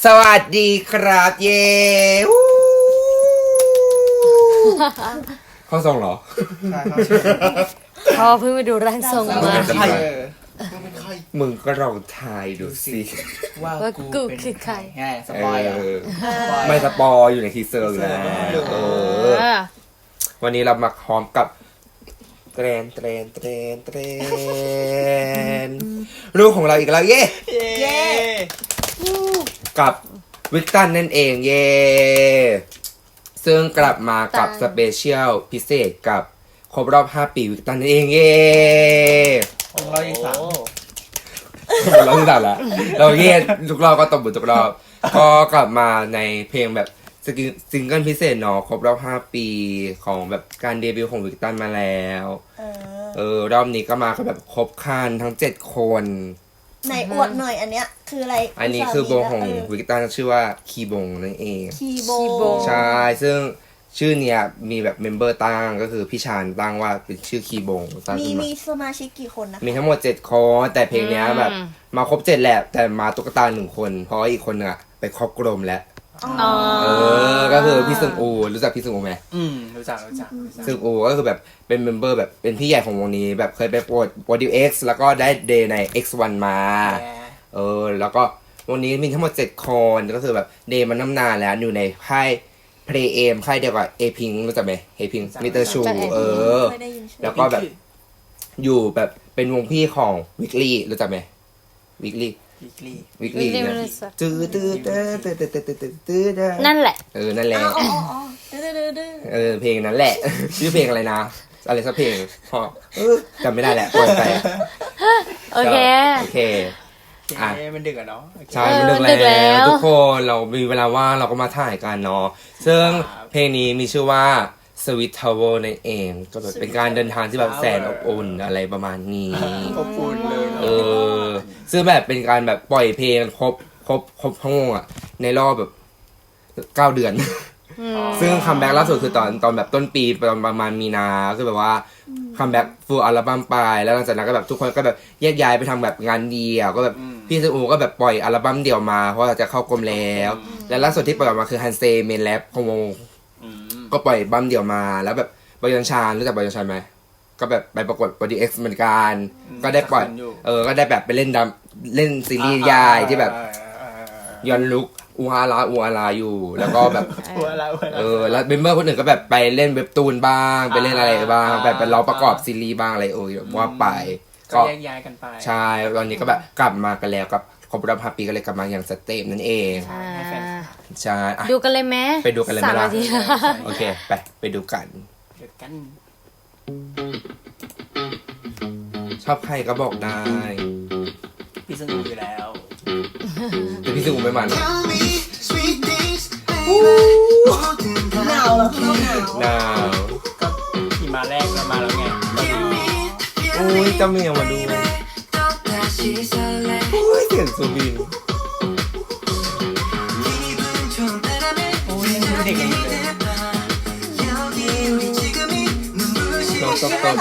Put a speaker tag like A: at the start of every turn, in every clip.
A: สวัสดีครับเย้เข้าทรงเหรอ
B: พอเพิ่งไปดูร่างทรงมา
A: มึงก็ลองทายดูสิ
B: ว่ากูคือใคร
C: สปอย
A: ไม่สปอยอยู่ในทีเซอร์แล้ววันนี้เรามาพร้อมกับเทรนลูกของเราอีกแล้วเย้กับวิกตันนั่นเองเย้ซึ่งกลับมากับสเปเชียลพิเศษกับครบรอบ5 ปีวิกตันนั่นเองเย้
C: ของเราอีก3
A: เราที่ตัดละเราเย้ทุกรอบก็ตบมือทุกรอบก็กลับมาในเพลงแบบซิงเกิลพิเศษเนาะครบรอบ5 ปีของแบบการเดบิวต์ของวิกตันมาแล้วรอบนี้ก็มาแบบครบครันทั้ง7 คน
D: ไหนอวดหน่อยอันเนี้ยคืออะไร
A: อันนี้คือวงของวิกตันชื่อว่าคีบงนั่นเอง
D: คีบง
A: ใช่ซึ่งชื่อเนี้ยมีแบบเมมเบอร์ตั้งก็คือพี่ชานตั้งว่าเป็นชื่อคีบง
D: มีสมาชิกกี่คนนะ
A: มีทั้งหมด7 คนแต่เพลงเนี้ยแบบมาครบ7แหละแต่มาตุ๊กตา1 คนเพราะอีกคนนึงอะไปครอบกลมแล้วก็คือพี่ซึงอูรู้จักพี่ซึงอูไหม
C: รู้จัก
A: ซึงอูก็คือแบบเป็นเมมเบอร์แบบเป็นพี่ใหญ่ของวงนี้แบบเคยไปโปรดิวเอ็กซ์แล้วก็ได้เดย์ใน X1 มาแล้วก็วงนี้มีทั้งหมด7 คนก็คือแบบเดย์มันนานแล้วอยู่ในค่ายเพลย์เอมค่ายเดียวกับเอพิงรู้จักไหมเอพิงมิเตอร์ชูแล้วก็แบบอยู่แบบเป็นวงพี่ของวิกลี่รู้จักไหมวิกลี่
B: นั่นแหละ
A: นั่นแหละเพลงนั้นแหละชื่อเพลงอะไรนะอะไรสักเพลงพอจำไม่ได้แหละปล่อยไป
B: โอเค
C: มันดึกอะเนาะ
A: ใช่มันดึกแล้วทุกคนเรามีเวลาว่างเราก็มาถ่ายกันเนาะซึ่งเพลงนี้มีชื่อว่าSweet Tower นั่นเองก็แบบเป็นการเดินทางที่แบบแสนอบอุ่นอะไรประมาณนี้
C: อบอุ่นเลย
A: ซึ่งแบบเป็นการแบบปล่อยเพลงครบทั้งวงอ่ะในรอบแบบ9 เดือนซึ่งคัมแบ็กล่าสุดคือตอนแบบต้นปีประมาณมีนาคือแบบว่าคัมแบ็กฟูลอัลบั้มไปแล้วหลังจากนั้นก็แบบทุกคนก็แบบแยกย้ายไปทำแบบงานเดี่ยวก็แบบพี่ซูก็แบบปล่อยอัลบั้มเดี่ยวมาเพราะจะเข้ากรมแล้วและล่าสุดที่ปล่อยออกมาคือฮันเซเมนแรปของวงก็ปล่อยบัมเดี่ยวมาแล้วแบบบอยอนชานรู้จักบอยอนชานไหมก็แบบไปประกวดบอดี้เอ็กซ์เหมือนกันก็ได้ปล่อยก็ได้แบบไปเล่นซีรีส์ยายที่แบบย้อนลุกอูฮาราอยู่แล้วก็แบบแล้วเมมเบอร์คนอื่นก็แบบไปเล่นเว็บตูนบ้างไปเล่นอะไรบ้างแบบไปร้องประกอบซีรีส์บ้างอะไรว่าไป
C: ก็แยกย้ายกันไป
A: ใช่ตอนนี้ก็แบบกลับมากันแล้วกับครบรอบ5 ปีก็เลยกลับมาอย่างสเต็ปนั่นเองใช่
B: ดูกันเลยไหม
A: ไปดูกันเลยไหมล่ะโอเคไปดูกันชอบใครก็บอกได้
C: พี่ซึงอยู่แล้ว
A: แต่พี่ซึงไม่มัน
D: หนาวแล้ว
A: หนาว
C: ก็ที่มาแรกเรามาแล้วไง
A: โอ้ยเจ้าเมียมาดูโอ้ยเสียงซูบิน
C: เด็กๆเลย
A: ต้น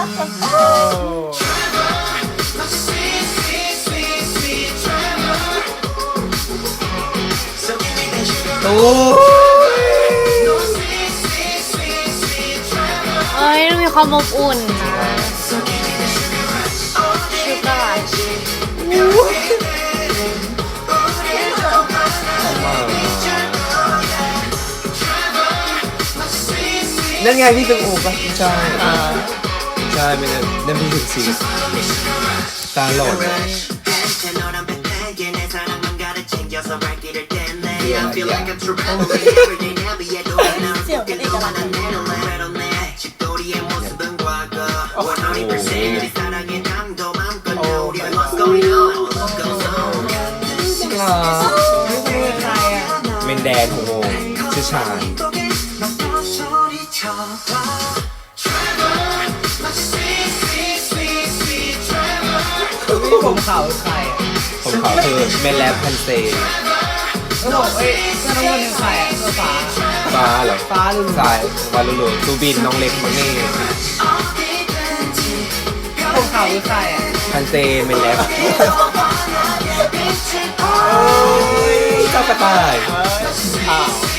A: โอ้
B: ยมีความอบอุ่นนะชุดอะไร
A: นั่นไงพี่ตึงอูป่ะใช่ไม่ได้นั่นพี่ถึงสีตาหล่อ
D: เสียงเป็นเอกลักษณ์
A: เมนแดนของวงชื่อชาญ
C: ผมขาวใคร
A: ผมขาวคือเมนแลบพันเซ
C: ก็บอกเจ้าน้องคนหนึ่งใคร
A: ฟ้าเหรอ
C: ฟ้าลุง
A: สายฟ้าลุงซูบินน้องเล็กมังนี่
C: ผมขาวใคร
A: พันเซเมนแลบ
C: จำ
A: กระต่าย
C: อ้าว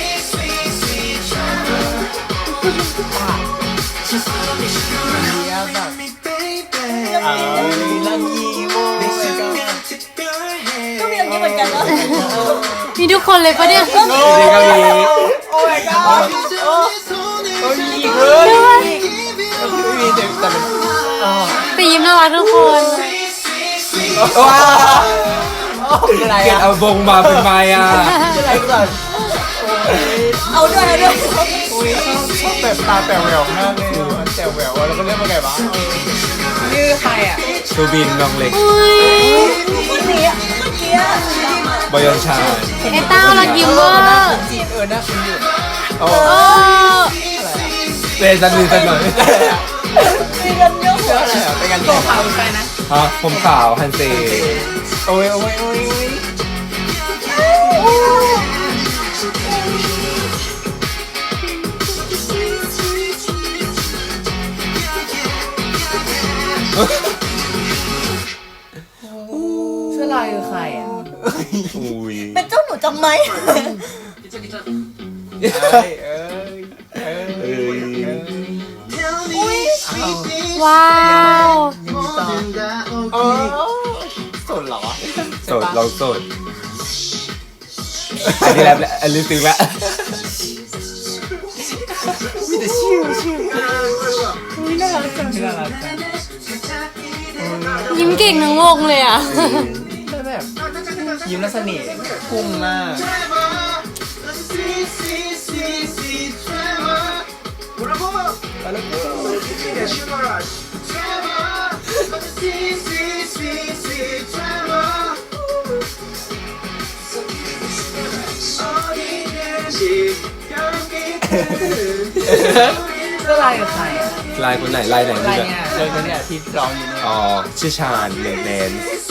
C: ลังยีโว้ย
D: ก็มีอย่างนี้เหมือนกันเนาะ
B: มีทุกคนเลยปะเนี่ย
A: จริงๆก็มี
C: โอ้ my god โอ้ยอีกเลยไม่มีแต่เป็นอ๋อ
B: แต่ยิ้มน่ารักทุกคน
A: ว้าว
C: อะไร
A: เกลียด
C: อ่ะ
A: เอาวงมาเป็นไม้อ่ะ
C: อะไรก่อน
D: เอาด้วยเอาด้วย
C: โอ้ยชอบแบบตาแป๋วแหววมากเลยแจ๋วแหววแล้วก็เล่นมาไงวะนี่คือใครอ่ะ
A: ซูบินน้องเล็ก
B: อุ้ย
D: เมื่อกี้อะเมื่อกี้อะ
A: บอยอนชา
B: ไอ้เต้ารักยิ้มเวอร์
C: จีนน่าคุ้นอยู่
A: โอ้
B: โอ้
A: เต้นสักนิดสักหน่อย
D: มีกันเยอะ
C: เชื่ออะไรอ่ะเป็นการตัวขาวใครนะ
A: ฮะผมขาวฮันเซ
C: โอ้ยโอ้ยโอ้ยโอ้ย เสื้อลายคือใครอ่ะ
A: อุ้ย
D: เป็นเจ้าหนูจำไหม
C: เอ้ยเอ้ยเอ้ย
A: เอ้ย
D: อุ้ย
C: อ้าว
B: ว้าว
C: โอ้สนเหรอวะ
A: โสดเราโสดอันนี้แล้วอันนี้ตึงแล้ว
C: มีแต่ชิวชิวน่ารักจังน่ารักจัง
B: ยิ้มเก่งทั้งวงเลยอ่ะ
C: แล้วแบบยิ้มแล้วเสน่ห์พุ่งมาก เสื้อลายกับใครอ่ะ
A: ลายคนไหนลายไหน
C: ลาย
A: เนี่ย
C: เนี่ยเลยคนเนี่ยที่ร้องอยู่เนี่ย
A: อ๋อชื่อชาญเนแนน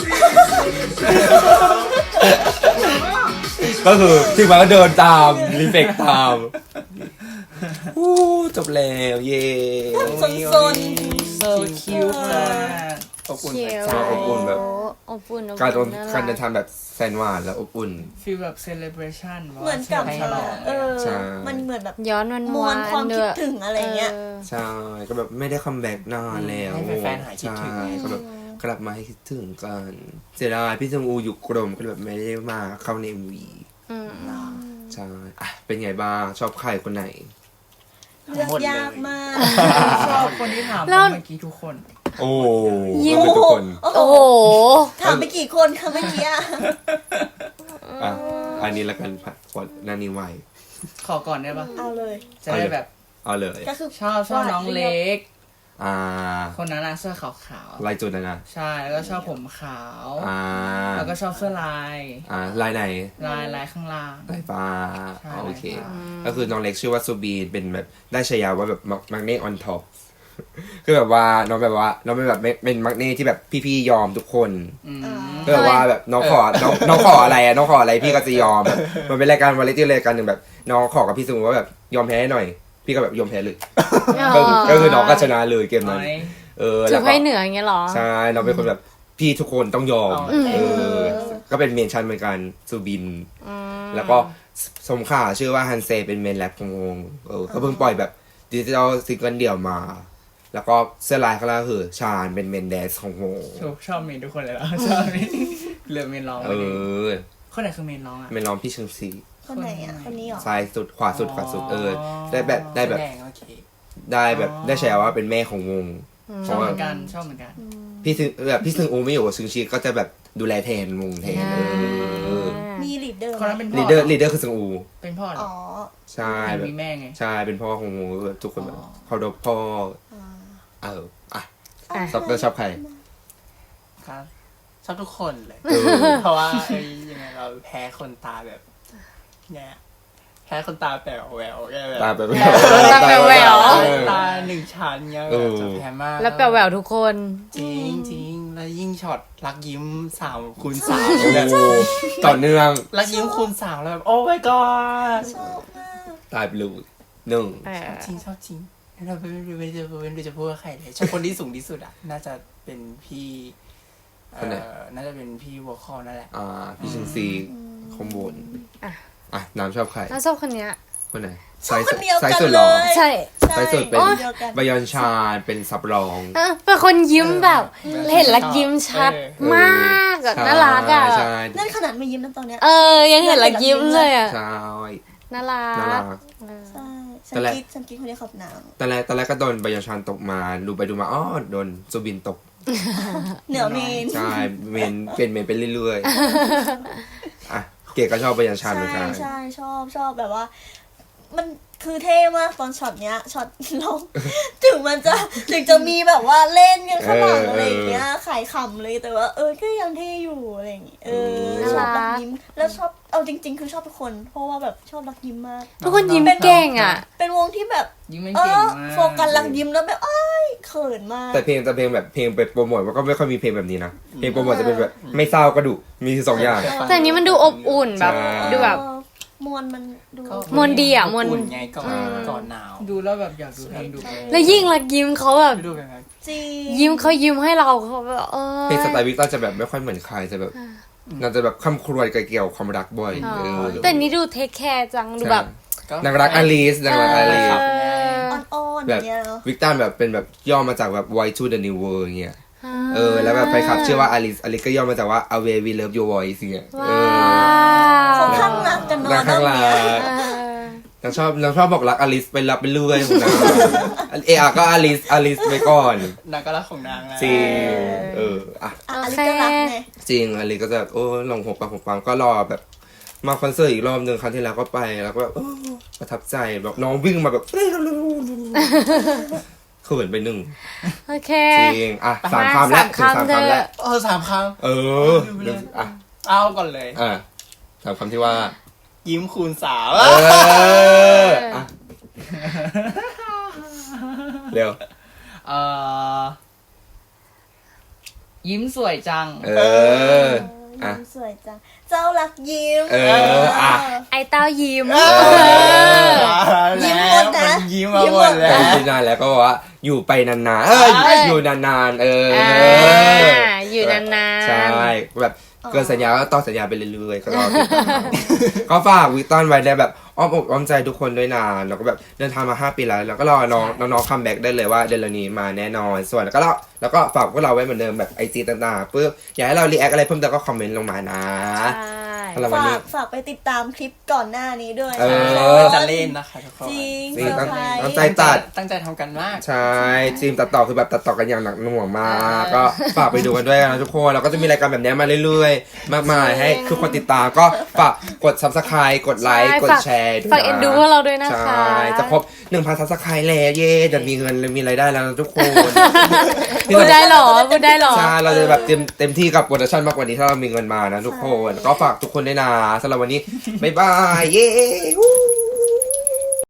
A: ก็คือถึงมาก็เดินตามรีเฟกตามอู้จบแล้วเย่
D: สนสน
C: โซคิวมากอบอุ่น
B: เชียว
A: อบอุ่นแบบ
B: อบอุ่นอบ
A: การ
B: อุ่นน่
A: การเดินทางแบบแสนหวานและอบอุ่น
C: ฟีลแบบเซเลบรชั่น
D: เหมือนกับ
C: ฉลอง
D: เออ
A: ใช่
D: มันเหมือนแบบ
B: ย้อนวัน
D: มวลความคิดถึงอะไรเงี้ย
A: ใช่ก็แบบไม่ได้คัมแบ็กนานแล้ว
C: ให้แฟนๆหายคิดถึง
A: ใช่ก็แบบกลับมาให้คิดถึงกันเสียดายพี่จงอูอยู่กรมก็แบบไม่ได้มาเข้าใน MV
B: อืม
A: ใช่อ่ะเป็นไงบ้างชอบใครคนไหน
D: เลือกยากมาก
C: ชอบคนที่ถามเมื่อกี้ทุกคน
A: โอ้
B: ยิ้ม
A: เราเป็นทุกคน
D: โอ้
B: โอ้
D: โห
B: โห
D: ถามไปกี่คนคะเมื่อกี้อะ
A: อ่ะอันนี้ละกันผัดขวดนานี่ไว
C: ขอก่อนได้ปะ
D: เอาเลย
C: จะได้แบบ
A: เอาเลย
D: ก็คือ
C: ชอบน้องเล็ก
A: อ่า
C: คนนั้นนะเสื้อขาว
A: ลายจุดนะ
C: ๆใช่แล้วก็ชอบผมขาว
A: อ่า
C: แล้วก็ชอบเสื้อลาย
A: ลายไหน
C: ลายข้างล่าง
A: ลายปลา
C: ใช่
A: โอเค
C: ลายปลา
A: ก็คือน้องเล็กชื่อว่าซูบีนเป็นแบบได้ฉายาว่าแบบมักเน่ออนท็อป คือแบบว่าน้องแบบว่าน้องเป็นแบบเป็นมักเน่ที่แบบพี่ๆยอมทุกคน
C: อืม
A: ก็แบบว่าแบบน้องขอน้องขออะไรอะน้องขออะไรพี่ก็จะยอมแบบมันเป็นรายการวาไรตี้รายการหนึ่งแบบน้องขอกับพี่ซูว่าแบบยอมแพ้ให้หน่อย พี่ก็แบบยอมแพ้เลยก็คือน้องก็ชนะเลยเกมนั้น
C: น้อย
A: เออ
B: ถื
A: แล้
B: อ
A: ว
B: ไพ่
A: ก็
B: เหนืออย่างเงี้ยเหรอ
A: ใช่เราเป็นคนแบบพี่ทุกคนต้องยอม
C: อืม
A: เออก็เป็นเมนชั่นเหมือนกันซูบิน
B: อืม
A: แล้วก็สมข่าชื่อว่าฮันเซเป็นเมนแรปของวงก็เพิ่งปล่อยแบบดิจิทัลซิงเกิลเดี่ยวมา แล้วก็เสื้อลายข้างล่างคือชาญเป็นเมนแดนซ์ของวง
C: ชอบเมนทุกคนเลยเหรอชอบเมนเหลือเมนร้อง
A: เออ
C: คนไหนคือเมนร้องอ่ะ
A: เมนร้องพี่เชิงซี
D: คนไหนอ่ะ คนนี้เหรอ
A: ซ้ายสุดขวาสุดได้แบบ
C: แสดงโอเค
A: ได้แบบได้ฉายาว่าเป็นแม่ของวงเพ
C: ชอบ
A: ราะ
C: เห
A: ว่า
C: มือนกันชอบเหมือนกัน
A: พี่ซึงแบบพี่ซึงอูไม่อยู่กับซึงชีก็จะแบบดูแลแทนวงแทนเออ
D: มีลีดเดอร์
C: คนนั้นเป็นพ่อ
A: ลีดเดอร์คือซึงอู
C: เป็นพ่อเหร
D: อ๋
C: อ
D: อ
A: ใช่แบบ
C: มีแม่ไง
A: ใช่เป็นพ่อของวงแบบทุกคนแบบ
C: อ๋อ
A: เขาดพ่อ
D: อ่า
A: อ่ะชอบชอบใคร
E: ครับชอบทุกคนเลย
A: เออ
E: เพราะว่ายังไงเราแพ้คนตาแบบเนี่ยแพ้คนตาแป๋วแหววแกแบบ
A: ตาแบบ
B: ตาแป๋วแหวว
E: ตาหนึ่งชั้นเงี้ย
A: เอ
E: แบบ
A: อ
E: จะแพ้มาก
B: แล้วแปลแหววทุกคน
E: จริงจริงแล้วยิ่งช็อตรักยิ้ม3 คูณ
A: โอ้
E: 3แบบ
A: โหต่อเนื่อง
E: รักยิ้มคูณ 3แล้วแบบโอ้ my god
D: ชอบมาก
A: ตายไปเลยหนึ่ง
E: จริงชอบจริงเราไม่รู้จะพูดว่าใครเลยชอบคนที่สูงที่สุดอ่ะน่าจะเป็นพี่น่าจะเป็นพี่วอลคอลนั่นแหละ
A: พี่ชิงซี
E: ใ
A: คอมโบนอ่ะน้ำชอบใคร
B: น้าชอบคนเนี้ย
A: คนไหน
D: ชอบคนเดียวกัน
A: สุดหรอ
D: เลย
B: ใช่
A: ไซส์สุดเป็น
D: คนดียวกัน
A: บยอนชาเป็นซับรอง
B: เป็นคนยิ้มแบบเห็นแล้วยิ้มชัดมากแบบน่ารักอ่ะ
A: ใช่
D: นั่นขนาดไม่ยิ้มนะตอนเนี้ย
B: ยังเห็นแล้วยิ้มเลยอ่ะ
A: ใช่
B: น่ารั
A: น่ารั
B: ก
A: ก
D: ใช่ฉั
A: ตอน
D: น
A: แรก
D: คิดคนนี้ขอบหนาว
A: ตอนแรกก็โดนบยอนชานตกมาดูไปดูมาอ้อโดนซูบินตก
D: เหนือเมน
A: ใช่เมนเป็นเมนไปเรื่อยๆอ่ะเก๋ก็ชอบบยอนชานเหมือนกัน
D: ใช่ชอบแบบว่า มันคือเท่มากตอนช็อตเนี้ยช็อตลง ถึงจะมีแบบว่าเล่นกันข้างหลังอะไรอย่างเงี้ยขายขำเลยแต่ว่าก็ยังเท่อยู่อะไรอย่างเงี้ยชอบรักยิ้มแล้วชอบเอาจริง ๆ คือชอบทุกคน เพราะว่าแบบชอบรักยิ้มมาก
B: ทุกคนยิ้มเก่งอ่ะ
D: เป็นวงที่แบบ
E: ยิ้มไม่เก่งมาก
D: โฟกัสรักยิ้มแล้วแบบเขินมาก
A: แต่เพลงแบบเพลงไปโปรโมทมันก็ไม่ค่อยมีเพลงแบบนี้นะเพลงโปรโมทจะเป็นแบบไม่เศร้าก็ดุมีสองอย่าง
B: แต่อันนี้มันดูอบอุ่นแบบ
A: ใช่
B: ดูแบบ
D: มวลมันดู
B: มวลดีอะมวล
E: อุ่นไงก่อนหนาว ดูแล้วแบบอยากดูเพลงดูไป
B: แล้วยิ่งรักยิ้มเขาแบบ
E: ดูกันไหม
D: จริง
B: ยิ้มเขายิ้มให้เราเขาแบบ
A: เพลงสไตล์วิกเตอร์จะแบบไม่ค่อยเหมือนใครจะแบบน่าจะแบบคำครวญเกี่ยวกับความรักบ่อย
B: แต่นี่ดูเทคแคร์จังดูแบบ
A: นางรักอลิสนางรักอลิส
D: อ่อนๆ
A: แบ
D: อบ ย่างเงี้ยเนาะ
A: วิกเตอร์แบบเป็นแบบย่อมาจากแบบ Voice to the New World เงี้ยแล้วแบบแฟนคลับชื่อว่าอลิสก็ย่อมาจากว่า Away We Love Your Voice เงี้ย
B: ว้า
D: เขา
B: ว
D: ข้างรักกันเนาะ
A: นางข้างหลัง
D: เรื่องเนี้ย
A: นางชอบบอกรักอลิสไปรับไปเรื่อยของนางก็อลิสไปก่อน
E: นางก็รักของนางนะ
A: จริงอ่ะ
D: อ่ะอลิสก็รักไง
A: จริงอลิสก็จะลองหกปังก็รอแบบมาคอนเสิร์ตอีกรอบหนึ่งครั้งที่แล้วก็ไปแล้วก็แบบประทับใจแบบน้องวิ่งมาแบบเขินไปหนึ่ง
B: โอเค
A: จริงอ่ะสามคำแล้วถึงสามคำแล้ว
E: 3 ครั้ง
A: อ่ะ
E: เอาก่อนเลย
A: สามคำที่ว่า
E: ยิ้มคูณ
A: อ่ะเร็ว
C: ยิ้มสวยจัง
A: อ่ะ
D: ยิ้มสวยจังเจ้ารักยิ้ม
A: อ่ะ
B: ไอเต้ายิ้ม
D: ยิ้มหมดนะ
E: มันยิ้มมาหมดแล้
A: แต่
E: ว
A: ที่นานแล้วก็บอกว่าอยู่ไปนานๆอยู่นานๆ
B: อยู่นานๆ
A: ใช่แบบเกินสัญญาก็ต่อสัญญาไปเรื่อยๆก็รอติดตามก็ฝากวิกตอนไว้ได้แบบอ้อมอกอ้อมใจทุกคนด้วยนะแล้วก็แบบเดินทางมา5 ปีแล้วแล้วก็รอน้องคัมแบ็กได้เลยว่าเดือนนี้มาแน่นอนส่วนแล้วก็ฝากพวกเราไว้เหมือนเดิมแบบ IG ต่างๆปึ๊บอยากให้เรารีแอคอะไรเพิ่มเติมก็คอมเมนต์ลงมานะสำหรับวันนี้
D: ฝากไปติดตามคลิปก่อนหน้านี้ด้วย
E: จะเล่นนะคะทุกคน
D: จริง
A: นี่
D: เซอร์ไพรส์
A: ตั้งใจตัด
E: ตั้งใจทำกันมาก
A: ใช่ทีมตัดต่อคือแบบตัดต่อกันอย่างหนักหน่วงมากก็ฝากไปดูกันด้วยนะทุกคนแล้วก็จะมีรายการแบบนี้มาเรื่อยๆมากมายให้ทุกคนติดตามก็ฝากกด Subscribe กดไลค์กดแชร์ด้วยนะ
B: ฝากเอ็นดูพวกเราด้วยนะคะ
A: ใช่จะครบ 1,000 Subscribe แล้วเย่จะมีเงินมีรายได้แล้วนะทุกคน
B: พูดได้เหรอพูดได้เหรอ
A: ใช่เราจะแบบเต็มที่กับโปรดักชั่นมากกว่านี้ถ้าเรามีเงินมานะทุกคนก็ฝากทุกคนด้วยนะสำหรับวันนี้บ๊ายบายเย้